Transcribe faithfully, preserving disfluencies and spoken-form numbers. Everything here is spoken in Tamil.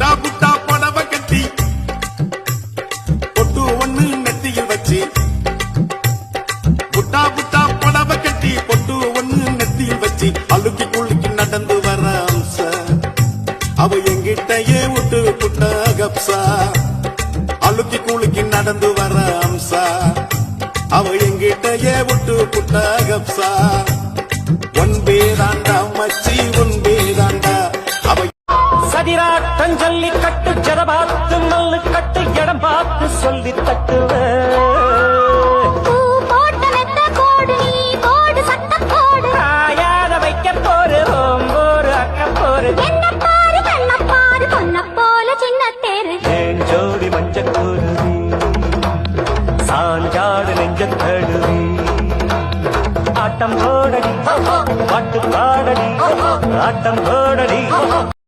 புட்டா புட்டா புடவ கட்டி பொட்டு ஒண்ணு நெத்தியில் வச்சு புட்டா புட்டா புடவ கட்டி பொட்டு ஒண்ணு நெத்தியில் வச்சு அழுக்கி குலுக்கி நடந்து வர அம்ச அவ எங்கிட்டயே விட்டு புட்ட கப்சா அழுக்கி குலுக்கி நடந்து வர அம்சா அவ எங்கிட்டயே விட்டு புட்ட கப்சா ஒன்பேதாண்டா மச்சி ஒன்பேதாண்டா அவ சதிராட்டம் சொல்லி கட்டு ஜட பார்த்து நல்லு கட்டு இடம் பார்த்து சொல்லி தட்டுவ வைக்க போரு ஓம்போரு அக்க போரு ஏன் ஜோடி மஞ்சக்கூருவி சாஞ்சாடு நெஞ்சத்தடுவி ஆட்டம் போடடி பாட்டு பாடடி ஆட்டம் போடடி